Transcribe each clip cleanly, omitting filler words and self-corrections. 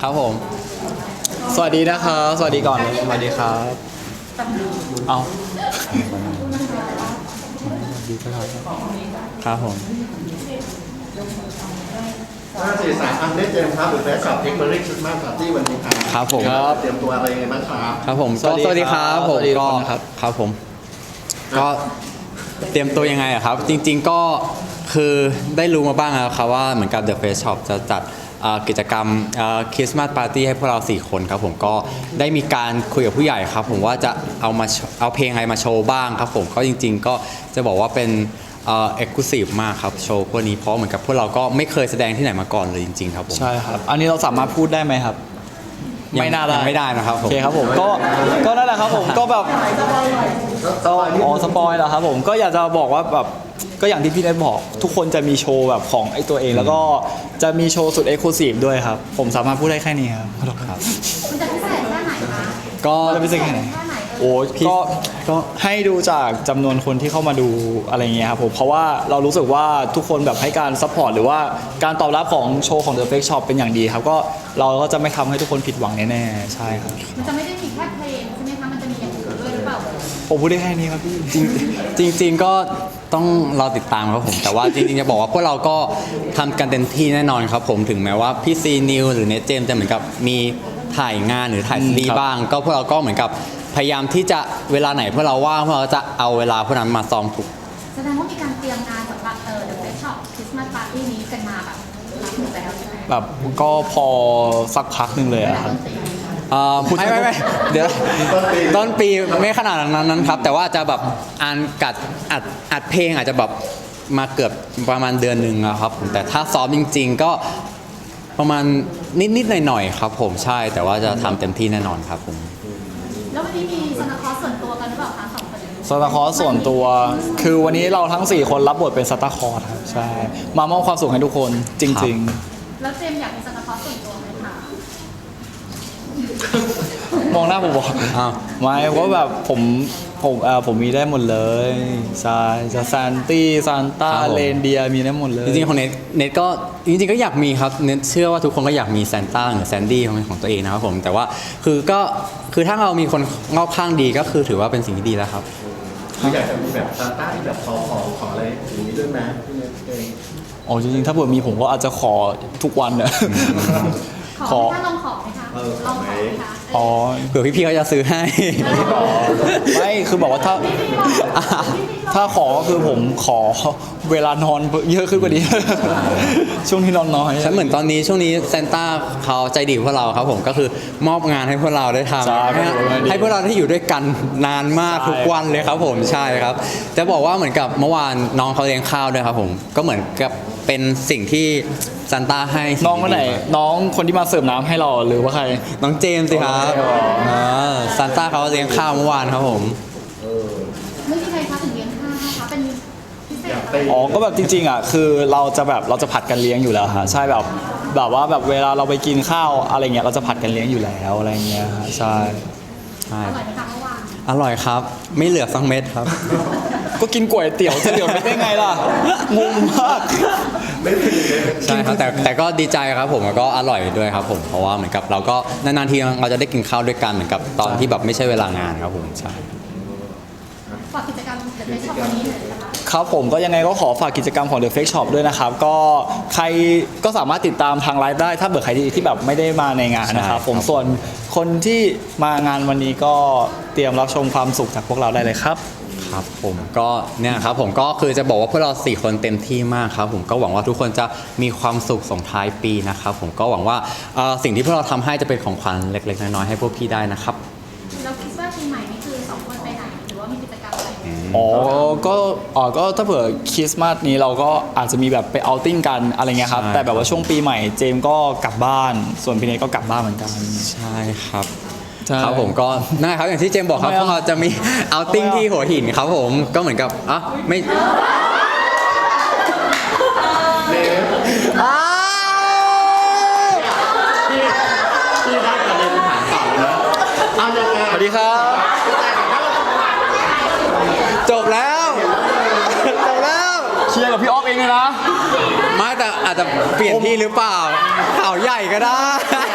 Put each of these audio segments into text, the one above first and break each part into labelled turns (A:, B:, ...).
A: ครับผมสวัสดีนะครับสวัสดีก่อนสวัสดีครับเอาครับผม
B: 543อันได้เจมส์ครับหรือแฟชั่นเทคโนโลยีคริสต์มาสปาร์ตี้วันนี้ครับ
A: ครับผม
B: เตรียมตัวอะไรยังไงบ้างครับ
A: ครับผมสวัสดีครับผมก็ครับผมก็เตรียมตัวยังไงอะครับจริงๆก็คือได้รู้มาบ้างแล้วครับว่าเหมือนกับ The Face Shop จะจัดกิจกรรมคริสต์มาสปาร์ตี้ให้พวกเรา4คนครับผมก็ได้มีการคุยกับผู้ใหญ่ครับผมว่าจะเอาเพลงอะไรมาโชว์บ้างครับผมก็จริงๆก็จะบอกว่าเป็นexclusive มากครับโชว์พวกนี้เพราะเหมือนกับพวกเราก็ไม่เคยแสดงที่ไหนมาก่อนเลยจริงๆครับผม
C: ใช่ครับอันนี้เราสามารถพูดได้ไหมครับไม่น่าได้
A: ไม่ได้นะครับผม
C: โอเคครับผมก็นั่นแหละครับผมก็แบบสปอยแล้วครับผมก็อยากจะบอกว่าแบบก็อย่างที่พี่เนทบอกทุกคนจะมีโชว์แบบของไอ้ตัวเองแล้วก็จะมีโชว์สุดเอ็กซ์คลูซีฟด้วยครับผมสามารถพูดได้แค่นี้ครับ
D: มันจะพิเศษแค่ไหนคะ
C: ก็จะพิเศษแค่ไหนโอ้ก็ให้ดูจากจำนวนคนที่เข้ามาดูอะไรเงี้ยครับผมเพราะว่าเรารู้สึกว่าทุกคนแบบให้การซัพพอร์ตหรือว่าการตอบรับของโชว์ของ The Fake Shop เป็นอย่างดีครับก็เราก็จะไม่ทำให้ทุกคนผิดหวังแน่ๆใช่ครับ
D: มันจะไม่ได้มีแค่เพลงใช่ไหมคะมันจะมีอย่างอื่นด้วยหรือเปล่า
C: ผมพูดได้แค่นี้ครับพี่
A: จริงก็ต้องรอติดตามครับผมแต่ว่าจริงๆจะบอกว่าพวกเราก็ทำกันเต็มที่แน่นอนครับผมถึงแม้ว่าพี่ซีนิวหรือเนทเจมจะเหมือนกับมีถ่ายงานหรือถ่ายซีรีส์บ้างก็พวกเราก็เหมือนกับพยายามที่จะเวลาไหนพวกเราว่างพวกเราจะเอาเวลาพวกนั้นมาซ้อมถูก
D: แสดงว่ามีการเตรียมงานสำหรับThe Face Shop Christmas Party นี้กันมาแบบรับหมดแล้วใช่ไหม
C: แบบก็พอสักพักหนึ่งเลยอะครับ
A: ไม่เดี๋ยวต้นปีไม่ขนาดนั้นครับแต่ว่าจะแบบอัดเพลงอาจจะแบบมาเกือบประมาณเดือนหนึ่งครับผมแต่ถ้าซ้อมจริงๆก็ประมาณนิดๆหน่อยๆครับผมใช่แต่ว่าจะทำเต็มที่แน่นอนครับผม
D: แล้ววันนี้มีซานตาคลอสส่วนตัวกันหรือเปล่าคะ2 คน
C: ซานตาคลอสส่วนตัวคือวันนี้เราทั้ง4คนรับบทเป็นซานตาคลอสครับใช่มามอบความสุขให้ทุกคนจริง
D: ๆแล้วเจมอยากมีซานตาคลอสส่วนตัวไหมคะ
C: มองหน้าผมบอกไม่เพราะแบบผมมีได้หมดเลยใช่จะซานตี้ซานต้าเรนเดียมีได้หมดเลย
A: จริงๆของเน็ตก็จริงๆก็อยากมีครับเน็ตเชื่อว่าทุกคนก็อยากมีซานต้าหรือแซนดี้ของตัวเองนะครับผมแต่ว่าคือถ้าเรามีคนรอบข้างดีก็คือถือว่าเป็นสิ่งที่ดีแล้วครับ
B: อยากจะมีแบบซานต้าที่แบบขออะไรอย่างนี้ด้วยไหมพี่เนทเอง
C: อ๋อจริงๆถ้าเผื่อมีผมก็อาจจะขอทุกวันเนี่ย
D: ขอลองขอไหมคะลองขอไหมคะ
C: อ๋อ
A: เผื่อพี่ๆเขาจะซื้อให้
C: ไม่คือบอกว่าถ้าขอก็คือผมขอเวลานอนเยอะขึ้นกว่านี้ช่วงที่นอนน้อย
A: ฉันเหมือนตอนนี้ช่วงนี้ซานต้าเขาใจดีพวกเราครับผมก็คือมอบงานให้พวกเราได้ทำให้พวกเราได้อยู่ด้วยกันนานมากทุกวันเลยครับผมใช่ครับจะบอกว่าเหมือนกับเมื่อวานน้องเขาเลี้ยงข้าวด้วยครับผมก็เหมือนกับเป็นสิ่งที่ซานต้าให้
C: น้องคนไหนน้องคนที่มาเสิร์ฟน้ำให้เราหรือว่าใคร
A: น้องเจมส์สิครับซานต้าเขาเลี้ยงข้าวเมื่อวานครับผม
D: ไม่มีใครคะถึงเลี้ยงข้าวนะคะเป็นพิเศษ
C: ก็แบบจริงๆอ่ะคือเราจะผัดกันเลี้ยงอยู่แล้วฮะใช่แบบว่าแบบเวลาเราไปกินข้าวอะไรเงี้ยเราจะผัดกันเลี้ยงอยู่แล้วอะไรเงี้ยใช่
D: อร่อยไหมคะเมื่อวาน
A: อร่อยครับไม่เหลือสักเม็ดครับ
C: ก็กินก๋วยเตี๋ยวจะเหลือไม่ได้ไงล่ะงงมาก
A: ใช่ครับแต่ก็ดีใจครับผมแล้วก็อร่อยด้วยครับผมเพราะว่าเหมือนกับเราก็นานๆทีเราจะได้กินข้าวด้วยกันเหมือนกับตอนที่แบบไม่ใช่เวลางานครับผมใช่
D: ฝากกิจกรรม The Face Shop วันนี้หน่อยนะคะ
C: ครับผมก็ยังไงก็ขอฝากกิจกรรมของ The Fake Shop ด้วยนะครับก็ใครก็สามารถติดตามทางไลฟ์ได้ถ้าเบื่อใครที่แบบไม่ได้มาในงานนะครับผมส่วนคนที่มางานวันนี้ก็เตรียมรับชมความสุขจากพวกเราได้เลยครับ
A: ครับผมก็เนี่ยครับผมก็คือจะบอกว่าพวกเรา4คนเต็มที่มากครับผมก็หวังว่าทุกคนจะมีความสุขส่งท้ายปีนะครับผมก็หวังว่าสิ่งที่พวกเราทำให้จะเป็นของขวัญเล็กๆน้อยๆให้พวกพี่ได้นะครับ
D: เราคิดว่าปีใหม่นี่คือ2 คนไปไหนหรือว่ามีกิจกรรมอะไร
C: ก็ถ้าเผื่อคริสต์มาสนี้เราก็อาจจะมีแบบไปเอาท์ติ้งกันอะไรเงี้ยครับแต่แบบว่าช่วงปีใหม่เจมก็กลับบ้านส่วนพี่เนทก็กลับบ้านเหมือนกัน
A: ใช่ครับครับผมก็นั่นครับอย่างที่เจมบอกครับพวกเราจะมีเอาท์ติ้งที่หัวหินครับผมก็เหมือนกับไม่
B: ที่ได้ประเด็นถามต่อนะเอายังไง
C: สวัสดีครับ
A: จบแล้ว
C: เชียร์กับพี่อ๊อฟเองเลยนะ
A: ไม่แต่อาจจจะเปลี่ยนที่หรือเปล่าข่าวใหญ่ก็ได้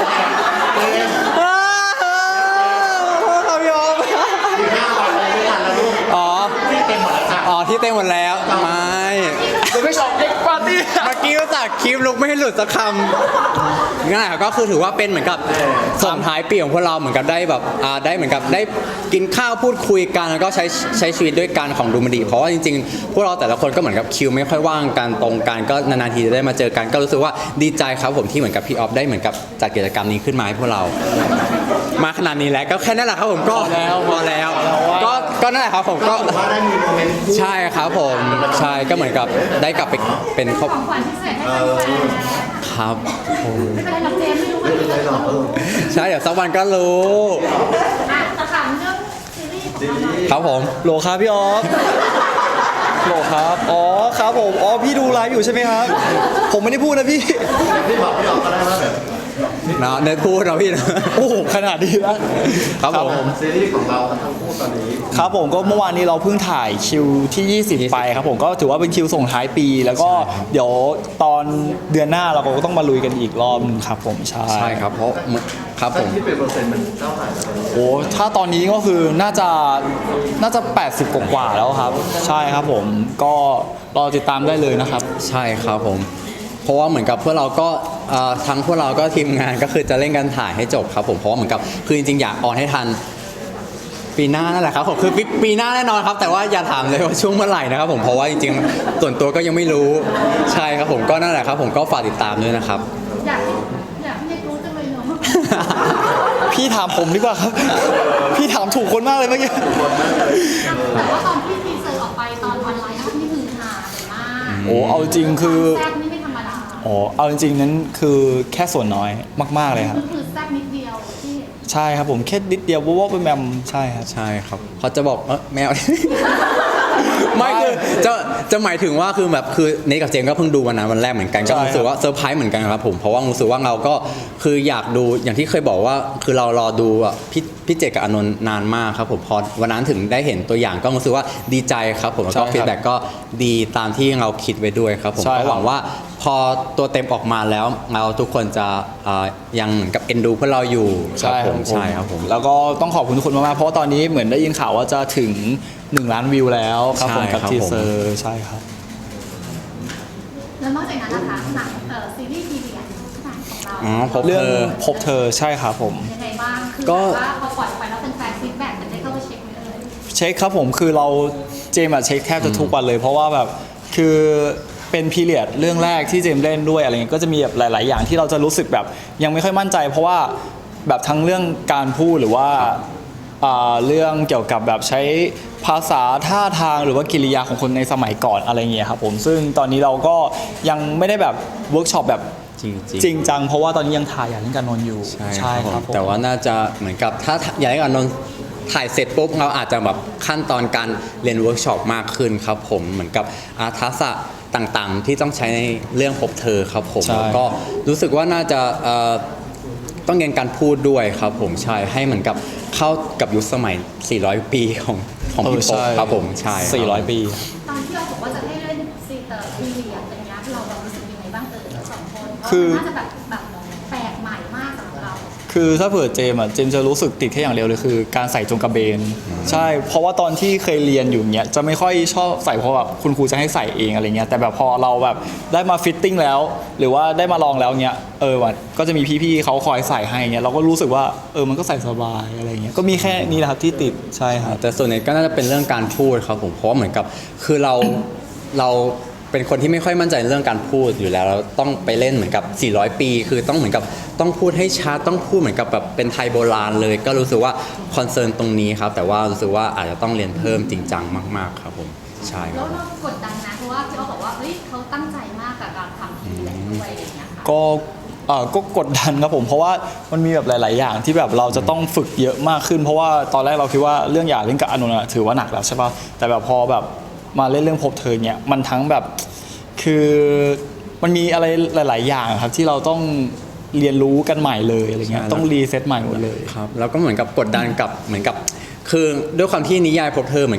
A: ครับพี่ออฟ
B: มี5 วันเลยไม่ทันแล้วลูก
A: อ๋อ
B: ที่เต็มหมดแล้วจ้ะ
A: อ๋อที่เต็มหมดแล้วไม่
C: เดอะเฟซช็อปเด็กปาร์ตี้
A: เมื่อกี้จากคลิปลุกไม่ให้หลุดสักคำนั่นแหละก็คือถือว่าเป็นเหมือนกับส่งท้ายปีของพวกเราเหมือนกับได้แบบได้เหมือนกับได้กินข้าวพูดคุยกันแล้วก็ใช้ชีวิตด้วยกันของดูมันดีเพราะว่าจริงๆพวกเราแต่ละคนก็เหมือนกับคิวไม่ค่อยว่างกันตรงกันก็นานๆทีจะได้มาเจอกันก็รู้สึกว่าดีใจครับผมที่เหมือนกับพี่ออฟได้เหมือนกับจัดกิจกรรมนี้ขึ้นมาให้พวกเรา มาขนาดนี้แล้วก็แค่นั้นแหละครับผมก็พอแล้วก็นั่นแหละครับผมก็
B: ว่าได้มีโมเมนต์คู่
A: ใช่ครับผมใช่ก็เหมือนกับได้กลับไปเป็นครอบ
D: ของขวัญพิเศษให้แฟนๆ
A: ครับผม
D: ไม่เป็นไรหรอกเจมส์ไม่รู้ว่า
B: ไม่เป็นไรหรอก
A: ใช่เดี๋ยวสักวันก็รู้
D: อ่ะแต่ถามเรื่องซีรีส์ของเราหน่อย
A: ครับผม
C: โหลครับพี่ออฟโหลครับอ๋อครับผมอ๋อพี่ดูไลฟ์อยู่ใช่ไหมครับ ผมไม่ได้พูดนะพี่
B: ที่บอกพี่ออกก็ได้ว่าแบบ
A: เนาะเนิร์ดพูดเราพี่นะ
C: โอ้โหขนาดนี้แล้ว
A: ครับผม
B: ซีรีส์ของเราทั้งคู่ตอนนี้
C: ครับผมก็เมื่อวานนี้เราเพิ่งถ่ายคิวที่ 20 ไปครับผมก็ถือว่าเป็นคิวส่งท้ายปี แล้วก็เดี๋ยวตอนเดือนหน้าเราก็ต้องมาลุยกันอีกรอบนึงครับผมใช่
A: ใช่ครับเพราะครับผ
B: ถ้าม คิดเป็นเปอร์เซ็นต์มันเท่าไหร่แล้วตอนนี้
C: โอ้ถ้าตอนนี้ก็คือน่าจะ80กว่าๆแล้วครับ ใช่ครับผมก็รอติดตามได้เลยนะครับ
A: ใช่ครับผม เพราะว่าเหมือนกับพวกเราก็ทั้งพวกเราก็ทีมงานก็คือจะเร่งกันถ่ายให้จบครับผมเพราะว่าเหมือนกับคือจริงๆอยากออนให้ทันปีหน้านั่นแหละครับผมคือปีหน้าแน่นอนครับแต่ว่าอย่าถามเลยว่าช่วงเมื่อไหร่นะครับผมเพราะว่าจริงๆส่วนตัวก็ยังไม่รู้ใช่ครับผมก็นั่นแหละครับผมก็ฝากติดตามด้วยนะครับ
D: อยากให้รู้จังเลยเนาะ
C: พี่ถามผมดีกว่าครับ พี่ถามถูกคนมากเลยเมื่อกี้
D: แต่ว่าตอนที่ทีเซอร์ออกไปตอนวันไลฟ์อัพนี่คือฮาเลยมาก
C: โอ้เอาจริงคือ
D: แซ่บนี่ไม่ธรรมดา
C: อ๋อเอาจริงๆนั้นคือแค่ส่วนน้อยมากๆเลยครับ
D: คือแซ่บนิดเดียวที่
C: ใช่ครับผมแค่นิดเดียวว่าเป็นแมมใช่ครับ
A: ใช่ครับเขาจะบอกแมว ไม่คือจะหมายถึงว่าคือแบบคือเนทกับเจมส์ก็เพิ่งดูวันนั้นวันแรกเหมือนกันก็
C: ใช่
A: รู้สึกว่าเซอร์ไพรส์เหมือนกันครับผมเพราะว่ารู้สึกว่าเราก็คืออยากดูอย่างที่เคยบอกว่าคือเรารอดูพี่เจกับอานนท์นานมากครับผมพอวันนั้นถึงได้เห็นตัวอย่างก็รู้สึกว่าดีใจครับผมแล้วก็ฟีดแบ็กก็ดีตามที่เราคิดไว้ด้วยครับผมก็หวังว่าพอตัวเต็มออกมาแล้วเราทุกคนจะยังเหมือนกับเอ็นดูพวกเราอยู่ครับผมใช่ครับผม
C: แล้วก็ต้องขอบคุณทุกคนมากๆเพราะว่าตอนนี้เหมือนได้ยินข่าวว่าจะถึง1 ล้านวิวแล้วครับผม
A: ใช่
C: กับ
A: ครับ
C: ทีเซอร์ใช่ครับ
D: แล้วนอกจากนั้นนะคะหนังซีรีส์ทีวีหนังของเรา
A: อ๋อพบ
C: เรื่อง
A: เธอ
C: พบเธอใช่ครับผม
D: ยังไงบ้างคือ
A: ก็
D: แบบว่าพอปล่อยไปแล้วเป็นแฟนฟีดแบ็กมันได้เข้าไปเช็คไหมเอ่ย
C: เช็คครับผมคือเราเจมส์อะเช็คแทบจะทุกวันเลย เพราะว่าแบบคือเป็นพีเรียดเรื่องแรกที่เจมส์เล่นด้วยอะไรเงี้ยก็จะมีแบบหลาย ๆ อย่างที่เราจะรู้สึกแบบยังไม่ค่อยมั่นใจ เพราะว่าแบบทั้งเรื่องการพูดหรือว่าเรื่องเกี่ยวกับแบบใช้ภาษาท่าทางหรือว่ากิริยาของคนในสมัยก่อนอะไรเงี้ยครับผมซึ่งตอนนี้เราก็ยังไม่ได้แบบเวิร์กช็อปแบบ
A: จริง
C: จริงจังเพราะว่าตอนนี้ยังถ่ายอย่างเล่นการนอนอยู่
A: ใช่ครับ
C: ผม
A: แต่ว่าน่าจะเหมือนกับถ้าอยากให้อนนท์ถ่ายเสร็จปุ๊บเราอาจจะแบบขั้นตอนการเรียนเวิร์กช็อปมากขึ้นครับผมเหมือนกับทักษะต่างๆ ที่ต้องใช้ในเรื่องพบเธอครับผม
C: ใช่
A: แล้วก็รู้สึกว่าน่าจะต้องเรียนการพูดด้วยครับผมใช่ให้เหมือนกับเข้ากับยุคสมัย 400 ปีของพี่พบครับผมใช่ครับ
C: 400 ปี
D: ตอนที่เราบอกว่าจะให้เล่นซีเตอร์พีเรียดอะไรเงี้ยเรารู้สึกยังไงบ้างเราสองคนเพราะ
C: คือ
D: มันน่าจะแบบแปลกใหม่มากสำหรับเรา
C: คือถ้าเผื่อเจมส์เจมส์จะรู้สึกติดแค่อย่างเดียวเลยคือการใส่จงกระเบนใช่เพราะว่าตอนที่เคยเรียนอยู่เนี้ยจะไม่ค่อยชอบใส่เพราะแบบคุณครูจะให้ใส่เองอะไรเงี้ยแต่แบบพอเราแบบได้มาฟิตติ้งแล้ว หรือว่าได้มาลองแล้วเนี้ยมันก็จะมีพี่ๆเขาคอยใส่ให้เงี้ยเราก็รู้สึกว่ามันก็ใส่สบายอะไรเงี้ยก็มีแค่นี้แหละครับที่ติดใช่ครับ
A: แต่ส่วนใหญ่ก็น่าจะเป็นเรื่องการพูดครับผมเพราะว่าเหมือนกับคือเราเป็นคนที่ไม่ค่อยมั่นใจเรื่องการพูดอยู่แล้วเราต้องไปเล่นเหมือนกับ 400 ปี คือต้องเหมือนกับต้องพูดให้ชัดต้องพูดเหมือนกับแบบเป็นไทยโบราณเลย ก็รู้สึกว่าคอนเซิร์นตรงนี้ครับแต่ว่ารู้สึกว่าอาจจะต้องเรียนเพิ่มจริงจังมากๆครับผมใช่ค
D: แล้
A: รั
D: ว
A: บ
D: เรากดดันนะเพราะว่าพี่อ๊อฟบอกว่าเฮ้ยเขาตั้งใจมากกับการทำทีแลด้วยอะไรอย่างเงี้ยค่ะ
C: ก็กดดันครับผมเพราะว่ามันมีแบบหลาย ๆ อย่างที่แบบเราจะต้องฝึกเยอะมากขึ้น เพราะว่าตอนแรกเราคิดว่าเรื่องเล่นกับอานนท์ถือว่าหนักแล้วใช่ป่ะแต่แบบพอแบบมาเล่นเรื่องพบเธอเนี่ยมันทั้งแบบคือมันมีอะไรหลาย ๆ อย่างครับที่เราต้องเรียนรู้กันใหม่เลยอะไรเงี้ย
A: ใช่
C: ต้องรีเซ็ตใหม่หมดเลย
A: ครับแล้วก็เหมือนกับกดดันกับเหมือนกับคือด้วยความที่นิยายพบเธอเหมือนกับ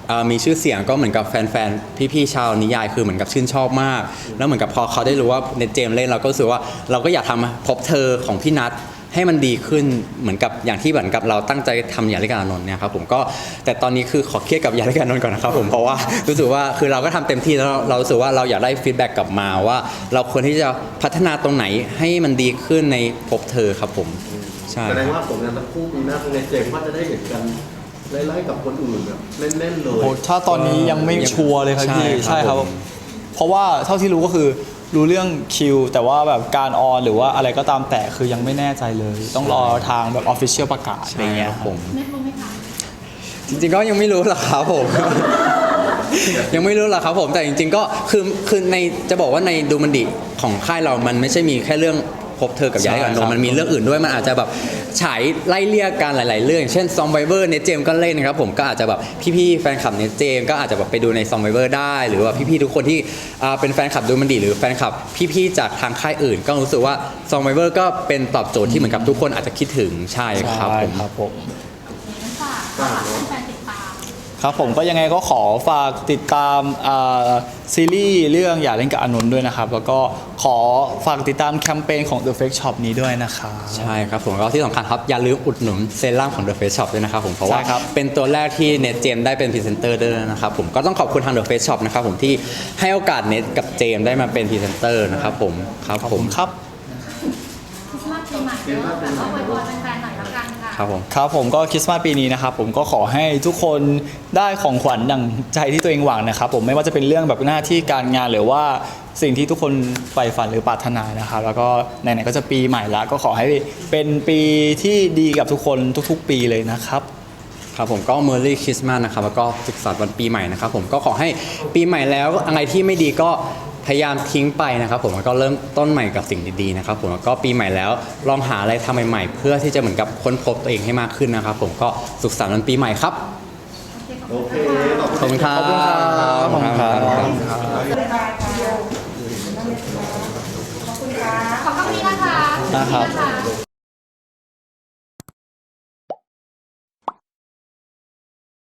A: มีชื่อเสียงก็เหมือนกับแฟนๆพี่ๆชาวนิยายคือเหมือนกับชื่นชอบมาก แล้วเหมือนกับพอเขาได้รู้ว่าเนตเจมส์เล่นเราก็รู้สึกว่าเราก็อยากทำพบเธอของพี่นัทให้มันดีขึ้นเหมือนกับอย่างที่เหมือนกับเราตั้งใจทำยาลิกาอานนท์เนี่ยครับผมก็แต่ตอนนี้คือขอเครียดกับยาลิกาอานนท์ก่อนนะครับผมเพราะว่ารู้สึกว่าคือเราก็ทำเต็มที่แล้วเรารู้สึกว่าเราอยากได้ฟีดแบ็กกลับมาว่า เราควรที่จะพัฒนาตรงไหนให้มันดีขึ้นในพบเธอครับผมใช่
B: แสดงว่าผลงานทั้งคู่ปีหน้าในเจมส์ว่าจะได้เห็นกันไล่ๆกับคนอื่นแบบเล่นๆเลย
C: โอ้ถ้าตอนนี้ยังไม่ชัวร์เลยครับพี่
A: ใช่ครับ
C: ใช่ครับ
A: ผม
C: เพราะว่าเท่าที่รู้ก็คือรู้เรื่องคิวแต่ว่าแบบการออนหรือว่าอะไรก็ตามแต่คือยังไม่แน่ใจเลย ต้องรอทางแบบออฟฟิเชียลประกาศอะไรเงี้ย
A: ครับผม
D: เน็ตรู้ไหมคะ
A: จริงๆก็ยังไม่รู้หรอกครับผม ยังไม่รู้หรอกครับผมแต่จริงๆก็คือในจะบอกว่าในดูมันดิของค่ายเรามันไม่ใช่มีแค่เรื่องพบเธอกับย้ายกันนมมันมีเรื่องอื่นด้วยมันอาจจะแบบฉายไล่เลี่ยกันหลายๆเรื่องอย่างเช่นซอมไบเวอร์เนเจมก็เล่นนะครับผมก็อาจจะแบบพี่ๆแฟนคลับเนเจมก็อาจจะแบบไปดูในซอมไบเวอร์ได้หรือว่าพี่ๆทุกคนที่เป็นแฟนคลับดูมันดิหรือแฟนคลับพี่ๆจากทางค่ายอื่น ก็รู้สึกว่าซอมไบเวอร์ก็เป็นตอบโจทย์ที่เหมือนกับทุกคนอาจจะคิดถึงใช่ครับผม
C: ครับผม
D: ฝากให้แฟนติดตาม
C: ครับผมก็ยังไงก็ขอฝากติดตามซีรีส์เรื่องอย่าเล่นกับอานนท์ด้วยนะครับ แล้วก็ขอฝากติดตามแคมเปญของ The Fake Shop นี้ด้วยนะครับ
A: ใช่ครับผมก็ที่สำคัญครับอย่าลืมอุดหนุนเซรั่มของ The Face Shop ด้วยนะครับผมเพราะว่า
C: ใช่ครับ
A: เป็นตัวแรกที่เน็ตเจมได้เป็นพรีเซนเตอร์ด้วยนะครับผมก็ต้องขอบคุณทาง The Face Shop นะครับผมที่ให้โอกาสเน็ตกับเจมได้มาเป็นพรีเซนเตอร์นะครับผมครับ
C: ขอบ
A: ผม
C: คุณครับ
D: คริสต์มาสปีใหม่เนอะแต่ว่าอวยพรแฟนๆหน่อยละกันค่ะ
A: ครับผม
C: ครับผมก็คริสต์มาสปีนี้นะครับผมก็ขอให้ทุกคนได้ของขวัญดั่งใจที่ตัวเองหวังนะครับผมไม่ว่าจะเป็นเรื่องแบบหน้าที่การงานหรือว่าสิ่งที่ทุกคนใฝ่ฝันหรือปรารถนานะครับแล้วก็ไหนๆก็จะปีใหม่ละก็ขอให้เป็นปีที่ดีกับทุกคนทุกๆ ปีเลยนะครับ
A: ครับผมก็ Merry Christmas นะครับแล้วก็สุขสันต์วันปีใหม่นะครับผมก็ขอให้ปีใหม่แล้วอะไรที่ไม่ดีก็พยายามทิ้งไปนะครับผมแล้วก็เริ่มต้นใหม่กับสิ่งดีๆนะครับผมแล้วก็ปีใหม่แล้วลองหาอะไรทำใหม่ๆเพื่อที่จะเหมือนกับค้นพบตัวเองให้มากขึ้นนะครับผมก็สุขสันต์วันปีใหม่ครับ
B: โอเค
A: ขอบคุณครับ
C: ขอบคุณครับ
A: ขอบคุณครับ
D: ขอบคุณนี้นะคะ
C: นะครับ
D: ขอบคุณนะคะ